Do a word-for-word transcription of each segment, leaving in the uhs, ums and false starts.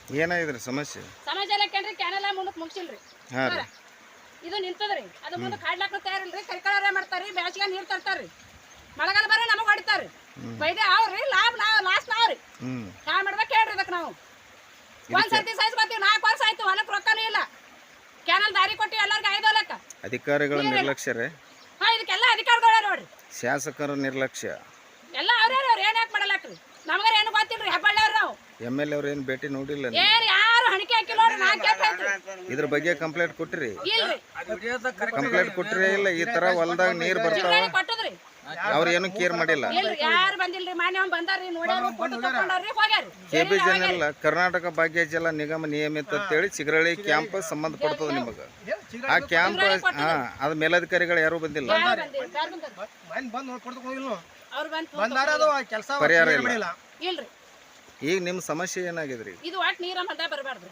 ಏನಾಗಿದ್ರಿ ಸಮಸ್ಯೆ? ಸಮಸ್ಯೆ ಎಲ್ಲ ಕೇಳ್ರಿ, ಕ್ಯಾನೆಲ್ಲ ಮುಂದಕ್ಕೆ ಮುಗಿಸಿಲ್ರಿ. ಹಾಂ ರೀ. ಇದು ನಿಂತದ್ರಿ, ಅದು ಮುಂದಕ್ಕೆ ಹಾಡ್ಲಾಕ ತಯಾರಿಲ್ರಿ. ಕರಿಕಳಾರ ಮಾಡ್ತಾರ್ರಿ, ಬೇಸಿಗೆ ನೀರು ತರ್ತಾರ್ರಿ, ಮಳೆಗಾಲ ಬರೀ ನಮಗೆ ಹೊಡಿತಾರ್ರಿ. ಬೈದೆ ಅವ್ರಿ, ಲಾಭ ನಾವು ಲಾಸ್ ನಾವ್ರಿ. ಹ್ಞೂ ಮಾಡ್ಬೇಕು ಹೇಳ್ರಿ ಇದಕ್ಕೆ ನಾವು. ಒಂದ್ ಸರ್ತಿ ಸೈಜ್ ಬರ್ತೀವಿ, ನಾಲ್ಕು ವರ್ಷ ಆಯ್ತು, ಹೊಲಕ್ಕೆ ರೊಕ್ಕನೂ ಇಲ್ಲ. ಕ್ಯಾನಲ್ ದಾರಿ ಕೊಟ್ಟು ಎಲ್ಲರಿಗೂ ಐದು ಹೊಲಕ್ಕ. ಅಧಿಕಾರಿಗಳ ನಿರ್ಲಕ್ಷ್ಯ ರೀ. ಹಾಂ, ಇದಕ್ಕೆಲ್ಲ ಅಧಿಕಾರಿಗಳ ನೋಡ್ರಿ. ಶಾಸಕರ ನಿರ್ಲಕ್ಷ್ಯ ಎಲ್ಲ ಅವ್ರೇ ಅವ್ರು ಏನ್ ಯಾಕೆ ಮಾಡಲಾಕ್ರಿ? ನಮಗಾರ ಏನು ಗೊತ್ತಿಲ್ರಿ. ಹೆಬ್ಬಳ್ಳಿಯವ್ರು ನಾವು ಎಮ್ ಎಲ್ ಅವ್ರು ಏನು ಭೇಟಿ ನೋಡಿಲ್ಲ. ಏನ್ ಯಾರು ಹಣಿಕೆ ಹಾಕಿಲ್ಲ ನೋಡ್ರಿ. ನಾಲ್ಕು ಇದ್ರ ಬಗ್ಗೆ ಕಂಪ್ಲೇಂಟ್ ಕೊಟ್ಟಿರಿ? ಇಲ್ರಿ. ಕಂಪ್ಲೇಂಟ್ ಕೊಟ್ಟಿರಿ ಇಲ್ಲ? ಈ ತರ ಹೊಲದಾಗ ನೀರ್ ಬರ್ತಾವ, ಕೊಟ್ಟದ್ರಿ, ಅವ್ರ ಏನು ಕೇರ್ ಮಾಡಿಲ್ಲ. ಇಲ್ರಿ, ಯಾರು ಬಂದಿಲ್ರಿ. ಮಾನ್ಯ ಬಂದಾರ್ರಿ, ನೋಡ್ಯಾರ, ಫೋಟೋ ತಕೊಂಡಾರ್ರಿ, ಹೋಗ್ಯಾರ. ಕೆ ಬಿ ಚಾನೆಲ್ ಕರ್ನಾಟಕ ಭಾಗ್ಯ ಜಲ ನಿಗಮ ನಿಯಮಿತ ಅಂತೇಳಿ ಚಿಗರಳ್ಳಿ ಕ್ಯಾಂಪ್ ಸಂಬಂಧ ಪಡ್ತದ ನಿಮಗ. ಆ ಕ್ಯಾಂಪ್ ಹಾ ಅದ ಮೇಲಧಿಕಾರಿಗಳು ಯಾರು ಬಂದಿಲ್ಲ. ಪರಿಹಾರ ಇಲ್ಲ. ಇಲ್ರಿ. ಈಗ ನಿಮ್ ಸಮಸ್ಯೆ ಏನಾಗಿದ್ರಿ? ಇದು ಒಟ್ಟು ನೀರ ಮದ್ದ ಬರಬಾರ್ದು.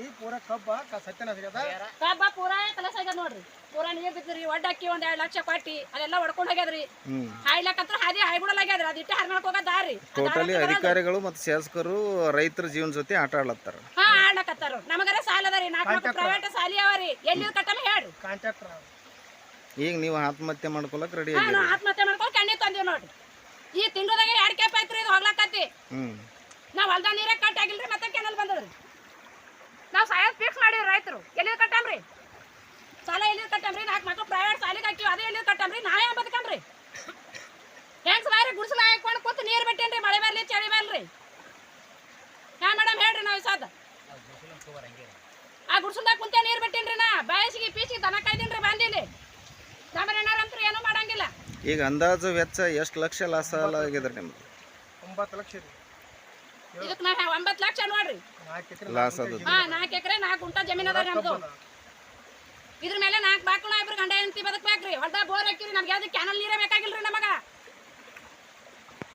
ಕಬ್ಬ ಪೂರಾ ಕಲಸ ಆಗ್ಯದ ನೋಡ್ರಿ. ಪೂರಾ ನೀರ್ ಬಿದ್ದ್ರಿ, ಒಡ್ಡ ಅಕ್ಕಿ ಒಂದ್ ಎರಡ್ ಲಕ್ಷ ಕೊಟ್ಟಿ ಅದೆಲ್ಲ ಹೊಡ್ಕೊಂಡ್ ಹೋಗ್ಯದ್ರಿ. ಹಾಯ್ಲಕತ್ರ ಹಾದಿ ಹಾಯ್ಬಿಡಲಾಗ್ಯದ್ರಿ. ಅದಿಟ್ಟು ಹರ್ನಾಳಕ್ ಹೋಗದಾರಿ. ಟೋಟಲಿ ಅಧಿಕಾರಿಗಳು ಮತ್ತು ಶಾಸಕರು ರೈತರ ಜೀವನ ಜೊತೆ ಆಟ ಆಡ್ಲತ್ತಾರ. ಹಾ ಆಡ್ಲಕತ್ತಾರ. ನಮಗರ ಸಾಲ ಅದರಿ, ನಾಲ್ಕು ಪ್ರೈವೇಟ್ ಸಾಲಿ ಅವರಿ. ಎಲ್ಲಿ ಕಟ್ಟಮ ಹೇಳ್ರಿ. ಈಗ ನೀವು ಆತ್ಮಹತ್ಯೆ ಮಾಡ್ಕೊಳಕ್ ರೆಡಿ ಹಾ ನಾವು ಆತ್ಮಹತ್ಯೆ ಮಾಡ್ಕೊಂಡು ಕಣ್ಣಿ ತಂದೀವಿ ನೋಡ್ರಿ. ಈ ತಿಂಗಳದಾಗ ಎರಡ್ ಕೆಪ್ ಐತ್ರಿ, ಇದು ಹೋಗ್ಲಕತ್ತಿ. ಹ್ಮ್ ನಾವ್ ಹೊಲ್ದ ನೀರೇ ಕಟ್ ಆಗಿಲ್ರಿ, ಮತ್ತೆ ಕೆನಲ್ ಬಂದದ್ರಿ. ನಾವ್ ಸಾಯದ್ ಫಿಕ್ಸ್ ಮಾಡಿವ್ರಿ. ರೈತರು ಎಲ್ಲಿ ಕಟ್ಟಮ್ರಿ? ಸಾಲ ಎಲ್ಲಿ ಕಟ್ಟಮ್ರಿ? ನಾಲ್ಕು ಮಕ್ಕಳು ಪ್ರೈವೇಟ್ ಸಾಲಿಗೆ ಹಾಕಿವಿ, ಅದೇ ಎಲ್ಲಿ ಕಟ್ಟಮ್ರಿ? ನಾವೇ ಬದುಕಮ್ರಿ? ಹೆಂಗ್ಸ್ ಬಾರಿ ಗುಡಿಸಲ ಹಾಕೊಂಡು ಕೂತು ನೀರು ಬಿಟ್ಟೇನ್ರಿ, ಮಳೆ ಬರ್ಲಿ ಚಳಿ ಬರ್ಲಿ. ಹ್ಯಾ ಮೇಡಮ್ ಹೇಳ್ರಿ. ನಾವು ಸಾದ ಆ ಗುಡ್ಸಲ್ದಾಗ ಕುಂತೆ ನೀರು ಬಿಟ್ಟೇನ್ರಿ. ನಾ ಬಯಸಿಗೆ ಪೀಸಿಗೆ ದನ ಕಾಯ್ದೀನ್ರಿ ಬಂದಿಲ್ಲಿ. ನಮ್ಮ ಏನಾರಂತ್ರು ಏನೂ ಮಾಡಂಗಿಲ್ಲ. ಈಗ ಅಂದಾಜು ವೆಚ್ಚ ಎಷ್ಟು ಲಕ್ಷ ಲಾಸ್ ಆಗಿದ್ರಿ ನಿಮ್ದು? ಒಂಬತ್ತು ಲಕ್ಷ ರೀ. ಇದಕ್ಕೆ ನಾ ಒಂಬತ್ತು ಲಕ್ಷ ನೋಡ್ರಿ ಲಾಸ್ ಅದು. ಹಾ ನಾಲ್ಕು ಎಕರೆ ನಾಲ್ಕು ಗುಂಟ ಜಮೀನ್ ಅದ ನಮ್ದು. ಇದ್ರ ಮೇಲೆ ನಾಲ್ಕು ಬಾಕುಳ ಇಬ್ರು ಗಂಡ ಹೆಂಡತಿ ಬದುಕ್ಬೇಕ್ರಿ. ಹೊಲ್ದ ಬೋರ್ ಹಾಕಿರಿ. ನಮ್ಗೆ ಯಾವ್ದು ಕ್ಯಾನಲ್ ನೀರೇ ಬೇಕಾಗಿಲ್ರಿ ನಮಗ.